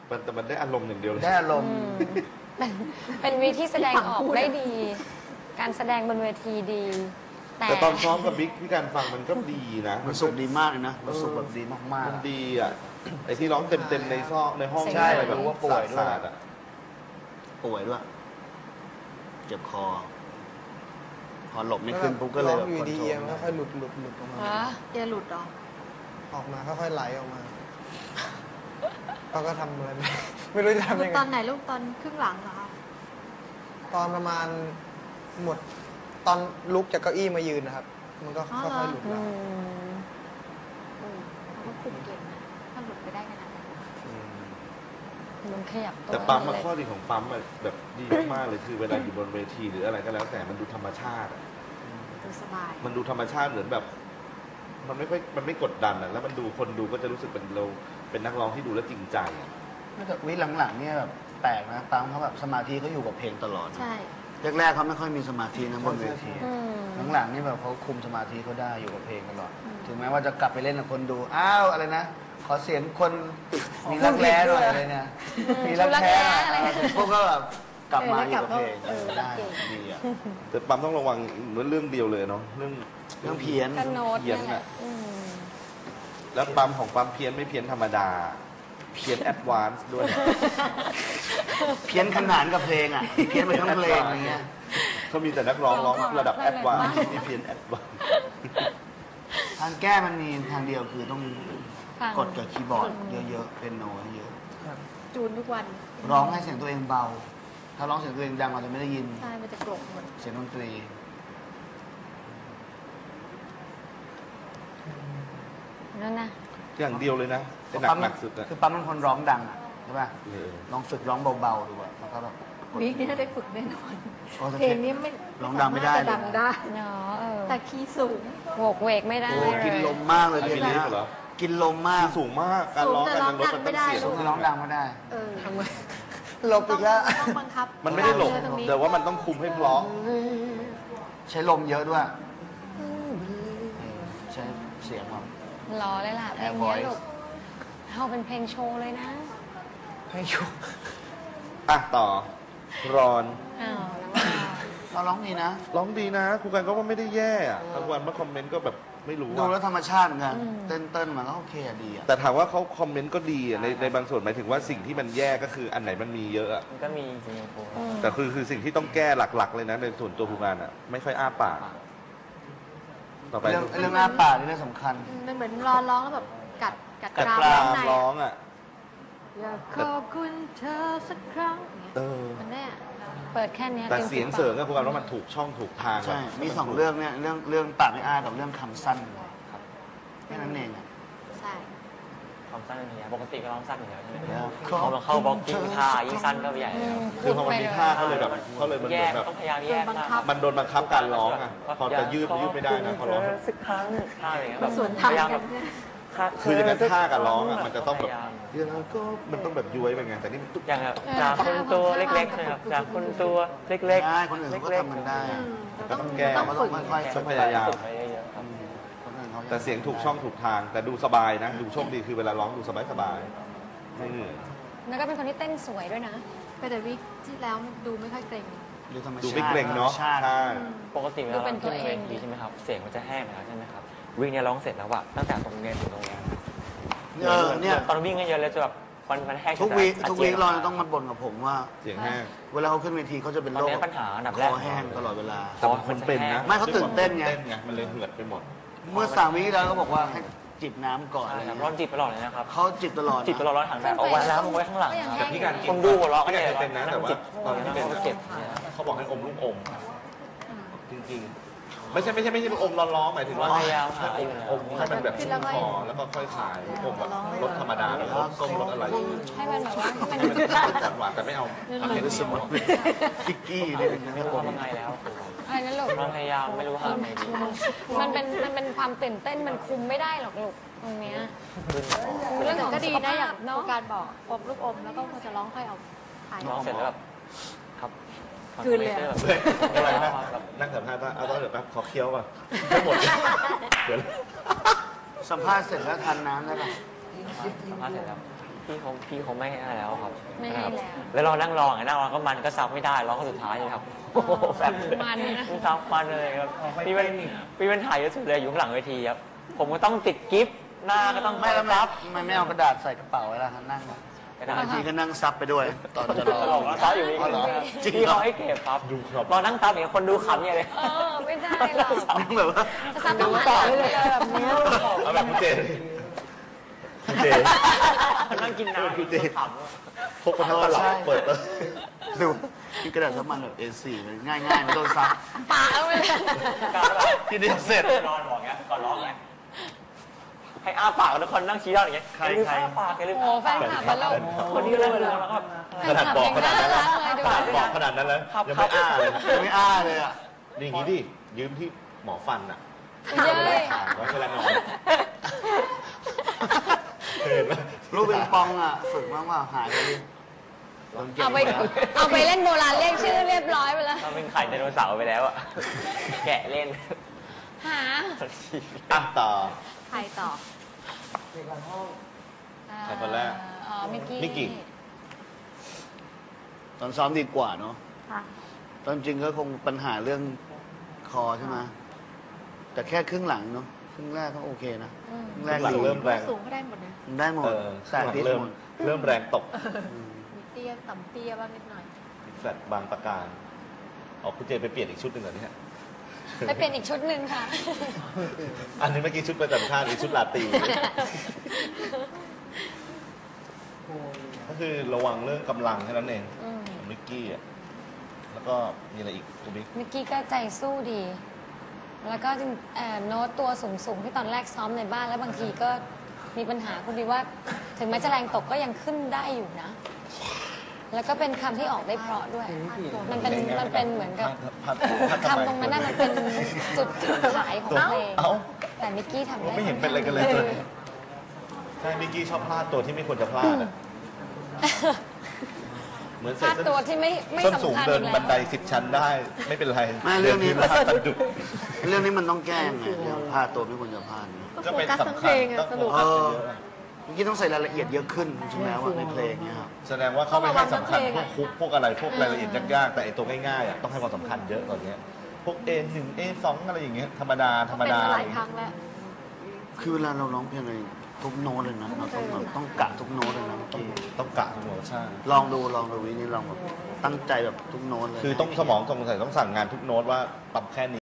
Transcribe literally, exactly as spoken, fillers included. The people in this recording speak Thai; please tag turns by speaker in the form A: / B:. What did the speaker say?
A: มันแต่มันได้อารมณ์อย่างเดียวเลย
B: ได้อารมณ์
C: เป็นเป็นวิธีแสดงออกได้ดี การแสดงบนเวทีดี
A: แต่ตอนซ้อมกับบิ๊กพี่การฟังมันก็ดีนะ
B: มันสุกดีมากเลยนะมันสุกแบบดีมากๆ
A: มันดีอ่ะไอที่ร้องเต็มๆในซอกในห้อง
B: ใช่
A: อะไรแบบ
B: รู้ว่าป่วยด้วย
A: สาดๆอ่ะ
B: ป่วยด้วยเจ็บคอพอหลบไม่ขึ้นปุ๊บก็เลยแบบ
D: อยู่ดีเอียงค่อยๆหลุดหลุดหลุดออกมา
C: เอียหลุดหรอ
D: ออกมาค่อยๆไหลออกมาเราก็ทำอะไรไม่รู้จะทำยังไง
E: ตอนไหนลูกตอนครึ่งหลังเหรอคะ
D: ตอนประมาณหมดตอนลุกจากเก้าอี้มายืนนะครับมันก็ค่อยๆหลุดแล้ว
E: เขาก็คุมเก่งนะถ้าหลุดไปได้ขนาดนั้น
C: มันขยับตัว
A: แต่ปั๊มมาข้อดีของปั๊มแบบดีมากเลยคือเวลาอยู่บนเวทีหรืออะไรก็แล้วแต่มันดูธรรมชาติ
E: ดูสบาย
A: มันดูธรรมชาติเหมือนแบบมันไม่ค่อยมันไม่กดดันอ่ะแล้วมันดูคนดูก็จะรู้สึกเป็นเราเป็นนักร้องที่ดูแล้วจริงใจอ่ะ
B: แต่วิหลังๆเนี่ยแบบแปลกนะปั๊มเขาแบบสมาธิเขาอยู่กับเพลงตลอด
E: ใช่
B: แรกๆเขาไม่ค่อยมีสมาธินะบนเวทีหลังๆนี่แบบเขาคุมสมาธิเขาได้อยู่กับเพลงตลอดถึงแม้ว่าจะกลับไปเล่นกับคนดูอ้าวอะไรนะขอเสียงคนมีรักแร้หน่อยอะไรเนี่ยมีรักแร้พวกก็แบบกลับมาอยู่กับเพลงได้ดีอ่ะ
A: แต่ปั๊มต้องระวังเรื่องเดียวเลยเนาะเรื่อง
B: เรื่องเพี้ยน
A: เพี้ยนอ่ะแล้วปั๊มของปั๊มเพี้ยนไม่เพี้ยนธรรมดาเพี้ยนแอดวานซ์ด้วย
B: เพี้ยนขนานกับเพลงอ่ะเพี้ยนไปทั้งเพลงอะไรเงี้ย
A: เขามีแต่นักร้องร้องระดับแอดวานซ์นี่เพี้ยนแอดวานซ์
B: ทางแก้มันมีทางเดียวคือต้องกดกับคีย์บอร์ดเยอะๆเป็นโน้ตเยอะ
E: จูนทุกวัน
B: ร้องให้เสียงตัวเองเบาถ้าร้องเสียงตัวเองดังเราจะไม่ได้ยิน
E: ใช่มันจะกรบหมด
B: เสียงดนตรี
C: นั่นนะ
A: อย่างเดียวเลยนะเป็นหนักหนักสุดอะ
B: คือปั๊มเป็นคนร้องดังอ่ะใช่ป่ะลองฝึกร้องเบาๆดูอ่ะแล้วก็แบบ
E: วิกนี่ได้ฝึกแน่นอนเพลงนี้ไม่
B: ร้องดังไม่ได้
E: ดังได้
C: เนาะ
E: แต่คีย์สูง
C: โวกเวกไม่ได้
B: กินลมมากเลย
A: พี่นะ
B: กินลมมาก
A: สูงมากการร้องการร้องมันต้องเสียง
B: ร้องดังไม่ได้
E: เออทำไม
D: หลบอีกแล้ว
E: ต้องบังคับ
A: มันไม่ได้หลบแต่ว่ามันต้องคุมให้เพราะ
B: ใช้ลมเยอะด้วยใช้เสียงแบบ
C: รอเลยล่ะเพลงนี้ลูกเอาเป็นเพลงโชว์เลยนะ
D: เพลงโชว์
A: อ่ะต่อรอน
C: อ้าว
B: เราร้องดีนะ
A: ร้องดีนะครูกันก็ว่าไม่ได้แย่อะบางวันมาคอมเมนต์ก็แบบไม่รู้
B: ดูแล้วธรรมชาติเหมือนกันเต้นเต้นมันก็โอเคดีอ่ะ
A: แต่ถามว่าเขาคอมเมนต์ก็ดีในในบางส่วนหมายถึงว่าสิ่งที่มันแย่ก็คืออันไหนมันมีเยอะอะ
F: มันก็มีจริงๆครู
A: แต่คือคือสิ่งที่ต้องแก้หลักๆเลยนะในส่วนตัวครูกันอ่ะไม่ค่อยอ้าปาก
B: ต่อไปเรื่องเรื่องอ้าปากนี่เรื่องสำคัญ
E: มันเหมือนรอร้องแล้วแบบกัดกัด
A: กรามร้องอ่ะ
E: อยากขอบคุณเธอสักครั้ง
A: เออ
E: มันแน่
C: เปิดแค่นี้
A: แต่เสียงเสริงก็ครูกันว่ามันถูกช่องถูกทาง
B: ใช่มีสองเรื่องเนี่ยเรื่องเรื่องปากไม่อ้ากับเรื่องคำสั้นครับแค่นั้นเองอ่ะ
E: ใช่
F: คำสั้นนี่ปกติก็ร้องสั้นอยู่แล้วใช่ไหมพอมาเข้าบล็อกกิ้งท่ายิ่งสั้นก็ใหญ่เลย
A: คือพอมันมีท่าเขาเลยแบบเขาเลยมันแบบ
F: ต้องพยายามแยก
A: มันโดนบังคับการร้องอ่ะพอจะยืดยืดไม่ได้นะพอร้อง
F: สักครั้งท่าอะไรเงี้ยแบบ
E: พยายามแบบ
A: คืออย่างนั้นท่ากับร้องอ่ะมันจะต้องแบบเรื่องก็มันต้องแบบย้วยไปไงแต่นี่มันตุ๊ก
F: อย่างแบบจากคนตัวเล็กๆนะครับจากคนตัวเล็กๆ
B: ได้คนอื่นก็ทำมันได้
A: ก็ต้องแก้
B: ต้องค่อย
A: ๆพยายามแต่เสียงถูกช่องถูกทางแต่ดูสบายนะดูโชคดีคือเวลาร้องดูสบายสบายไม่เหนื่อย
C: แล้วก็เป็นคนที่เต้นสวยด้วยนะ
E: แต่วิกที่แล้วดูไม่ค่อยเกรง
A: ดูไม่เกรงเนาะใช่
F: ปกติเวลาเราขึ้นเวทีใช่ไหมครับเสียงมันจะแห้งแล้วใช่ไหมครับวิ่งเนี่ยร้องเสร็จแล้วอะตั้งแต่ตรงเนี้ยถึงตรงเนี้ย
B: เออเนี่ย
F: ตอนวิ่งกันเยอะเลยจะแบบมันมันแห้ง
B: ทุกวีทุกวีเราต้องมาบ่นกับผมว่า
A: เสียงแห้ง
B: เวลาเขาขึ้นเวทีเขาจะเป็นโรค
F: ปัญหาอันดับแรก
B: คอแห้งตลอดเวลา
A: แต่มันเป็นนะ
B: ไม่เขาตื่นเต้นไง
A: มันเลยเหือดไปหมด
B: เมื่อสามวีแล้วเขาบอกว่าให้จิบน้ำก่อน
F: อะไรร้อนจิบตลอดเลยนะครับ
B: เขาจิบตลอด
F: จิบตลอดร้อนถังแต่เอาไว้แล้วเอาไว้ข้างหลัง
A: แต่พี่การ
F: คนดูหัวเราะก็เนี่ย
A: เป็นนะแต่ว่าตอนที่เป็น
F: เก็บ
A: เขาบอกให้อมลูกอมจริงๆไม่ใช่ไม่ใช่ไม่ใช่อมร้อนๆหมายถึงว่า
F: พยายามหา
A: อมให้มันแบบชุ่มคอแล้วก็ค่อยขายอมแบบรสธรรมดาแบบรสส้มรสอะไร
C: ให้มันแบบว่าให้
A: มันหวานแต่ไม่เอา
B: เห็นสมมติพิกกี้นี่เป็น
F: ไม่รู้ว่าไงแล้ว
C: อะไรนั่นลูก
F: พยายามไม่รู้ทำไงดี
C: มันเป็นมันเป็นความตื่นเต้นมันคุมไม่ได้หรอกลูกตรงเนี้ยเรื่องของ
E: ก็ดีนะอย่างการบอกอมลูกอมแล้วก็พอจะร้องค่อยเอาถ่าย
F: ร้องเสร็จแล้วแบบครับ
E: คืนเลย
A: อะไรนะนั่งสัมภาษณ์ว่าเอาต้องเดี๋ยวแป๊บขอเคี้ยวก่อนไม่หมดเดี๋ยว
B: สัมภาษณ์เสร็จแล้วทานน้ำได้ป่ะ
F: สัมภาษณ์เสร็จแล้วพี่เขาพี่เขาไม่ให้แล้วครับ
C: ไม่ให้แล้ว
F: แล้วเรานั่งรอไงนั่งรอก็มันก็ซับไม่ได้ร้องคนสุดท้ายเลยครับโอ้โหแบบ
C: มันนะ
F: ซับมันเลยครับพี่เป็นพี่เป็นถ่ายเยอะสุดเลยอยู่ข้างหลังเวทีครับผมก็ต้องติดกิฟต์หน้าก็ต้อง
B: ไม่แล้ว
F: ซับ
B: ไม่ไม่เอากระดาษใส่กระเป๋าไว้แล้วครับนั่ง
F: กระดาษ
B: บางทีก็นั่งซับไปด้วย ตอนจะรอ
F: ตลกนะซับอยู่นี่
B: อ๋อเหรอจริง
F: พี่
B: เหรอ
F: เขาให้เก็บครับ
A: ดูครับ
F: เรานั่งซับอย่างคนดูขำอย่างเลย
C: เออ ไม่ได้หรอก
B: นั่งแบบว่า
C: จะซับต้องหันหลังไปเลยแบบเนี้ย
A: เอาแบบคุณเจคุณเจ
F: นั่งกินน้ำ
A: คุณเจ
F: ข
A: พกมาทั้งตลับเปิดแล้ว
B: ดูที่กระดาษซับมันแบบ เอ สี่ มันง่ายๆไม่ต้องซับ
C: ปากเอาไปเลย
F: ำ
B: ที่เดียวเสร็จ
F: นอนบอกเงี้ยก่อนร้องไงให้อ้าปากทุกคนนั่งชี้ด้านอย่างเงี้ย
B: ใคร
F: อย่าลืม
B: ใคร
F: อ้าปากอย่าลืม
C: โอ้
F: อ้า
C: แฟ
F: ปาก
C: นคลับมาแล้ว
F: คนนี้ก็นั่งดูแล้วก็
A: ขนาดบอกขนาดนั้นแล้ว
C: ข
A: ข
C: นา
A: นา
C: ด
A: ด
C: บบ อ
A: อก ก
C: ข
A: ข
C: นาด
A: นาดนั้นแล้ว
F: ครับ
A: ยังไม่อ้าเลย
B: ไม่อ้าเลยอ่ะ
A: นี่อย่างนี้ดิยืมที่หมอฟันอ่ะ
C: เย้ย
A: ถามว่าเวลานอนเคยเห็นไหม
B: ลูกปิงปองอ่ะ ฝึกมากว่าหายไปดิโดนเก็บ
C: เอาไป
B: ไว้แล้ว
C: เอาไปเล่นโบราณเรียกชื่อเรียบร้อยไปแล้ว
F: เราเป็นไข่ไดโนเสาร์ไปแล้วอะแกะเล่น
C: หา
A: อ่ะต่อ
E: ใครต่อ
A: ใครคนแรก
C: อ๋อมิกกี้
A: มิกกี้
B: ตอนซ้อมดีกว่าเนาะ
E: ค่ะ
B: ตอนจริงก็คงปัญหาเรื่องคอใช่ไหมแต่แค่ครึ่งหลังเนาะครึ่งแรกก็โอเคนะ
C: อืม
B: ครึ่งแรก
A: หลัง
B: ดี
A: เริ่มแรง
E: สูงก็ได้หมดนะ
B: ได้หมด
A: เออ
B: แต่ที่
A: เริ่ม
B: หมด
A: เริ่มแรงตก
E: มีเตี้ยต่ำเตี้ยบ้างนิดหน่อย
A: แฟลตบางประการออกคุณเจไปเปลี่ยนอีกชุดหนึ่งเหรอเนี่ย
C: ไปเป็นอีกชุดหนึ่งค่ะ
A: อันนี้เมื่อกี้ชุดประจำชาติอีกชุดลาตรีก็คือระวังเรื่องกำลังแค่นั้นเอง
C: อืม
A: ของมิกกี้อ่ะแล้วก็มีอะไรอีกคุณบิ๊ก
C: มิกกี้ก็ใจสู้ดี แล้วก็จริงเอ่อโน้ตตัวสูงๆที่ตอนแรกซ้อมในบ้านแล้วบางทีก็มีปัญหาคุณดีว่า ถึงแม้จะแรงตกก็ยังขึ้นได้อยู่นะ แล้วก็เป็นคำที่ออกได้เพราะด้วย มันเป็นมันเป็นเหมือนกับ
A: พัดพัดทำไม
C: คำตรงนั้นน่ะมันเป็นจุดขายของเพลง
A: เอ้า
C: แต่มิกกี้ทำได้
A: ไม่เห็นเป็นอะไรกันเลยเลยใช่มิกกี้ชอบพลาดตัวที่ไม่ควรจะพลาดอะเหมือน
C: พ
A: ใส่
C: ลาด
A: ส้น
C: ตัวที่ไม่ไม่
A: ส้นสูง
C: สำคัญ
A: เดิ
C: อี
A: น
C: กแล้ว
A: บันไดสิบชั้นได้ ไม่เป็นไร
B: ไม่เรื่องนี้
A: ดินพื้นพลาดสะดุด
B: เรื่องนี้มันต้องแก้ยังไงเรื่องพลาดตัวไม่ควรจะพลาดเนี่ย
A: ก็เป็น
E: โฟกัสทั้ง
A: สำ
E: เพ
A: คั
E: ล
A: ญ
E: งอะ
A: ต้อง
E: สนุก
A: โฟกัสเยอะ
B: เมื่อกี้ต้องใส่รายละเอียดเยอะขึ้นใช่ไหมว่าในเพลงเนี่ยครับ
A: แสดงว่าเขาไม่ให้สำคัญ
E: ต้อง
A: พ
E: ระวั
A: วก
E: ง
A: คุกพวกอะไรพวกรายละเอียดยากๆแต่ไอ้ตัวง่ายๆอ่ะต้องให้ความสำคัญเยอะตอนเนี้ยพวก เอ หนึ่ง เอ สอง อะไรอย่างเงี้ยธรรมดาธรรม
E: เป็น
A: ดา
E: มาหลายครั้งแล้ว
B: คือเวลาเราร้องเพลงอะไรทุกโน้ตเลยนะเราต้องแบบต้องกะทุกโน้ตเลยนะเมื่อกี้
A: ต้องกะทุกโมชั่น
B: ลองดูลองดูวินี่ลองแบบตั้งใจแบบทุกโน้ตเลย
A: คือต้องสมองตรงใส่ต้องสั่งงานทุกโน้ตว่าปรับแค่นี้